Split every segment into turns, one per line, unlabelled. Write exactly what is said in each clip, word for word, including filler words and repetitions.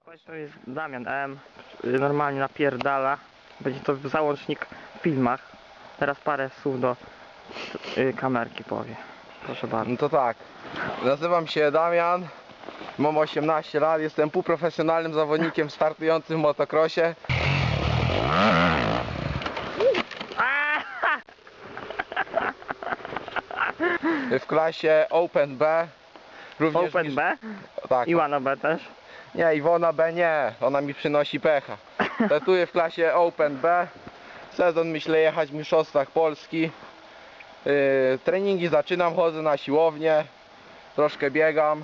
To jest Damian M. Normalnie napierdala. Będzie to załącznik w filmach. Teraz parę słów do y, kamerki powie. Proszę bardzo.
No to tak. Nazywam się Damian. Mam osiemnaście lat. Jestem półprofesjonalnym zawodnikiem startującym w motocrossie. W klasie Open B. Również
Open
mi...
B?
Tak.
Iwana B też?
Nie, Iwona B nie. Ona mi przynosi pecha. Startuję w klasie Open B. Sezon myślę jechać w mistrzostwach Polski. Yy, treningi zaczynam, chodzę na siłownię. Troszkę biegam.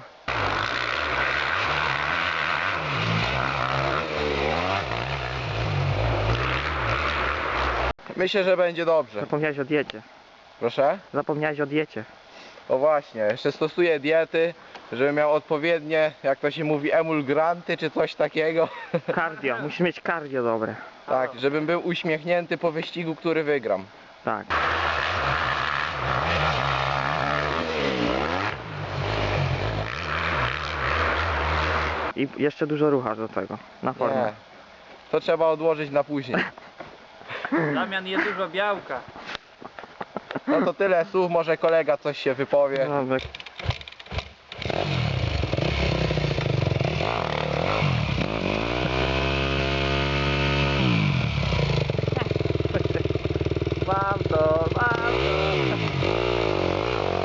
Myślę, że będzie dobrze.
Zapomniałeś o diecie.
Proszę?
Zapomniałeś o diecie.
O właśnie, jeszcze stosuję diety, żebym miał odpowiednie, jak to się mówi, emulgranty czy coś takiego.
Cardio. Musisz mieć cardio dobre.
Tak, żebym był uśmiechnięty po wyścigu, który wygram.
Tak. I jeszcze dużo ruchasz do tego. Na formę.
Nie, to trzeba odłożyć na później.
Damian je dużo białka.
No to tyle słów, może kolega coś się wypowie.
Dobra. Mam to, mam to.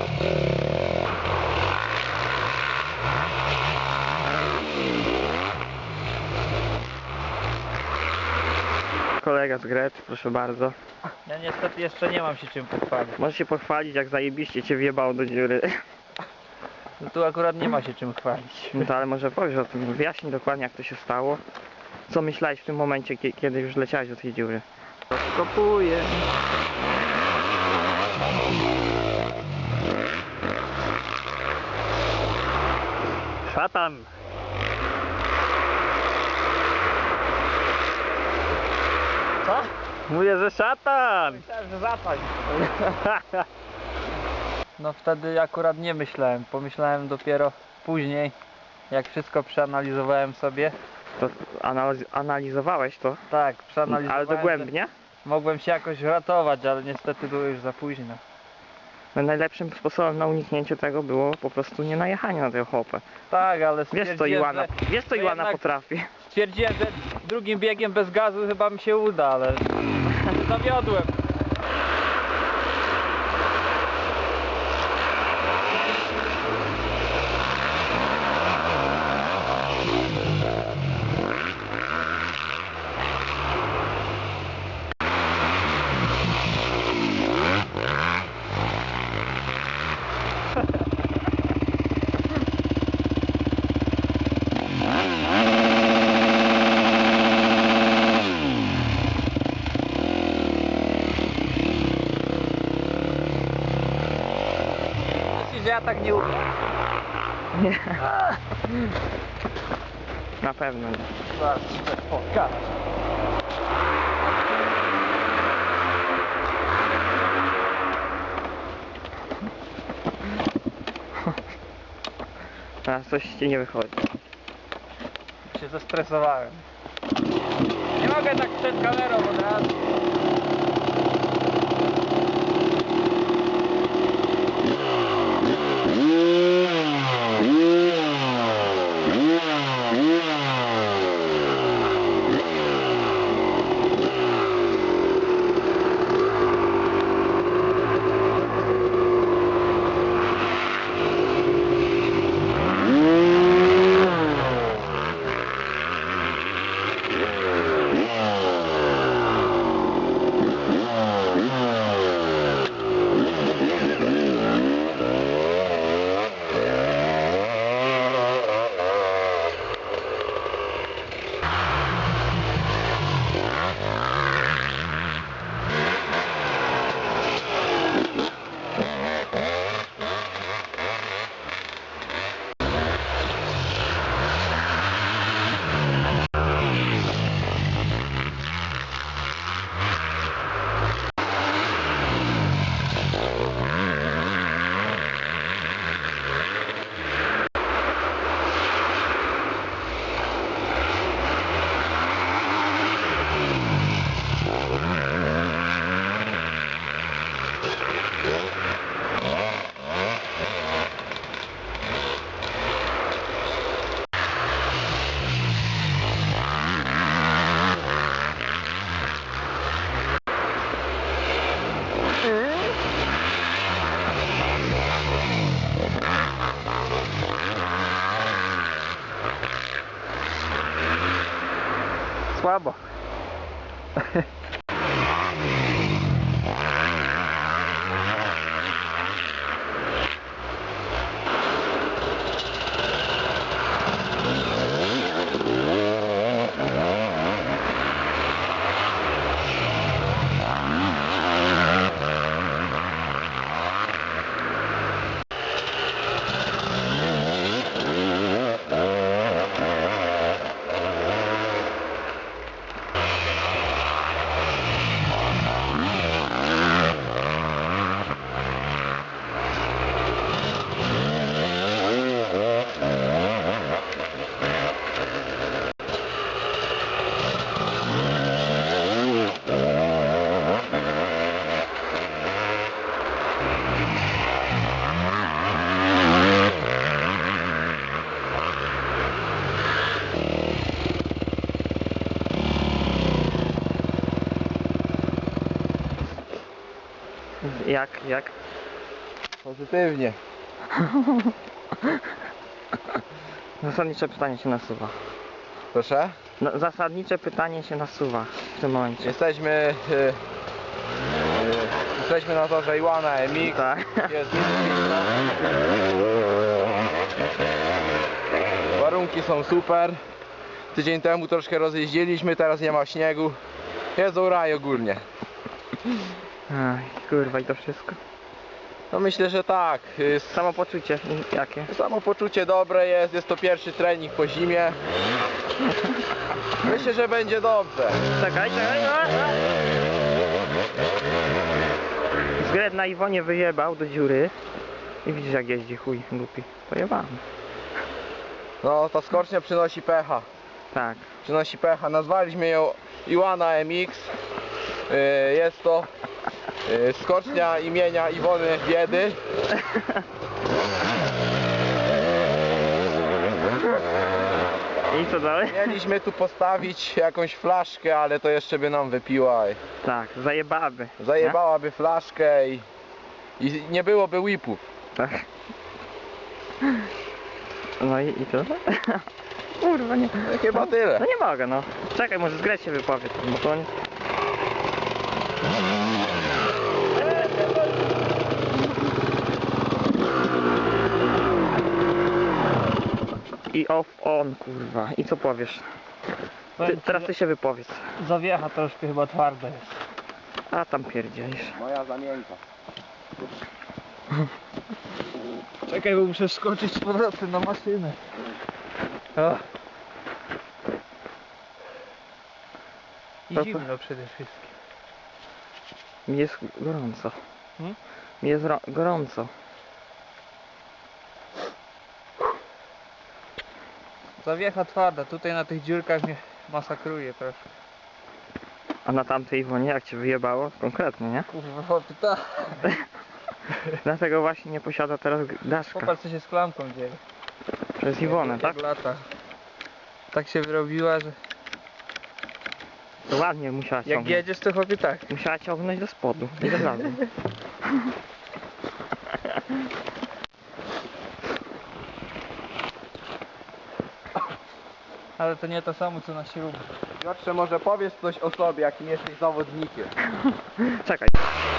Kolega z Grecy, proszę bardzo.
Ja niestety jeszcze nie mam się czym pochwalić.
Możesz się pochwalić, jak zajebiście cię wjebało do dziury.
No tu akurat nie ma się czym chwalić.
No to ale może powiesz o tym, wyjaśnij dokładnie, jak to się stało. Co myślałeś w tym momencie, kie- kiedy już leciałeś do tej dziury? Kopuję. Szatan.
Co?
Mówię, że szatan.
Myślałem, że zapaść. No wtedy akurat nie myślałem. Pomyślałem dopiero później, jak wszystko przeanalizowałem sobie.
To analiz analizowałeś to?
Tak, przeanalizowałem.
Ale dogłębnie?
że Mogłem się jakoś ratować, ale niestety było już za późno.
No, najlepszym sposobem na uniknięcie tego było po prostu nie najechanie na tę chłopę.
Tak, ale
Wiesz co
stwierdziłem,
Iwana,
że-
wiesz co
to
Iwana
jednak-
potrafi.
Stwierdziłem, że drugim biegiem bez gazu chyba mi się uda, ale zawiodłem. Myślisz, że ja tak nie umiem?
Nie. Na pewno nie.
Zaraz ci coś pokażę.
Teraz coś ci nie wychodzi.
Się zestresowałem. Nie mogę tak przed kamerą od razu. słabo.
Jak, jak?
Pozytywnie.
Zasadnicze pytanie się nasuwa.
Proszę?
No, zasadnicze pytanie się nasuwa w tym momencie.
Jesteśmy... y, y, jesteśmy na torze Iwana M X.
Tak.
Jest warunki są super. Tydzień temu troszkę rozjeździliśmy, teraz nie ma śniegu. Jest raj ogólnie.
Aj, kurwa i to wszystko.
No myślę, że tak. Y,
Samopoczucie jakie?
Samopoczucie dobre jest, jest to pierwszy trening po zimie. Myślę, że będzie dobrze.
Czekaj, czekaj. a, a. Zgret na Iwonie wyjebał do dziury. I widzisz jak jeździ chuj głupi. Pojebany.
No ta skocznia przynosi pecha.
Tak.
Przynosi pecha. Nazwaliśmy ją Iwana M X. Y, Jest to y, skocznia imienia Iwony Biedy.
I co dalej?
Mieliśmy tu postawić jakąś flaszkę, ale to jeszcze by nam wypiła.
Tak, zajebaby.
Zajebałaby flaszkę i, i nie byłoby whipów.
Tak. No i, i co? Kurwa nie.
No chyba tyle.
No nie mogę no. Czekaj, może Zgret się wypowie, bo to nie... I off on kurwa. I co powiesz? Ty, teraz ty się wypowiedz.
Zawiecha troszkę chyba twarda jest.
A tam pierdzielisz.
Moja zamienka.
Czekaj, bo muszę skoczyć z powrotem na maszynę. O. I
To- to-
zimno przede wszystkim.
Mi jest gorąco.
Hmm?
Mi jest ro- gorąco.
Zawiecha twarda, tutaj na tych dziurkach mnie masakruje troszkę.
A na tamtej Iwonie jak cię wyjebało? Konkretnie, nie?
Kurwa, pyta.
Dlatego właśnie nie posiada teraz daszka.
Popatrz co się z klamką dzieje.
Przez Iwonę,
Jak-
tak?
jak lata. Tak się wyrobiła, że
To ładnie musiała
jak
ciągnąć.
jedziesz to chłopie tak.
Musiała ciągnąć do spodu. Nie do razu.
Ale to nie to samo co na śrubę.
Piotrze, może powiesz coś o sobie, jakim jesteś zawodnikiem.
Czekaj.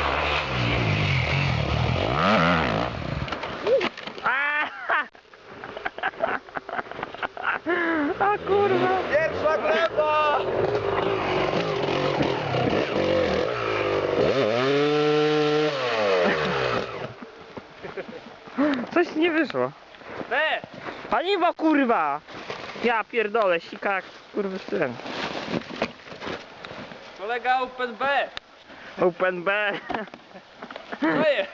A! A kurwa!
Pierwsza gleba!
Coś nie wyszło.
B!
Paliwo kurwa! Ja pierdolę, sika jak kurwy syn.
Kolega Open B!
Open B.
To jest!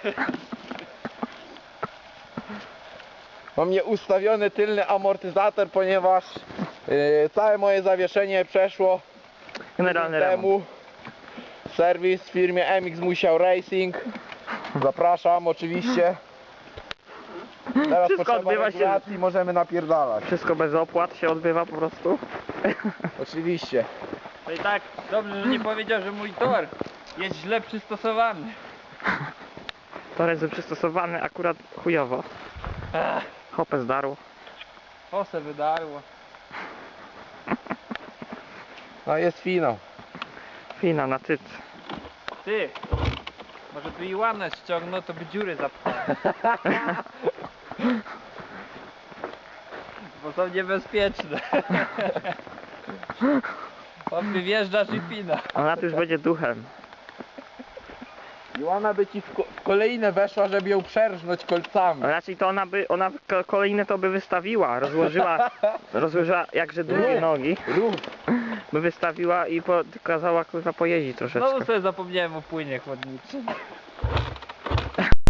Mam nieustawiony tylny amortyzator, ponieważ yy, całe moje zawieszenie przeszło
Generalny
tydzień
remont.
temu. Serwis w firmie M X Musiał Racing. Zapraszam oczywiście. Teraz
Wszystko
potrzeba
odbywa się-
regulacji, możemy napierdalać.
Wszystko bez opłat się odbywa po prostu.
Oczywiście.
To i tak dobrze, że nie powiedział, że mój tor jest źle przystosowany.
To jest przystosowany akurat chujowo.
Ach,
Hopę zdarł.
osę wydarło.
No jest finał.
Fina na tyc.
Ty! Może by i łanę ściągnął, to by dziury zapchał. Bo są niebezpieczne. On wjeżdżasz i pina.
Ona tu już będzie duchem.
Joanna by ci w, ko w kolejne weszła, żeby ją przerżnąć kolcami.
Raczej to ona by, ona ko- kolejne to by wystawiła, rozłożyła, rozłożyła jakże długie
Nie.
nogi,
Rów.
by wystawiła i po, kazała kurwa pojeździć troszeczkę.
Znowu sobie zapomniałem o płynie chłodniczym.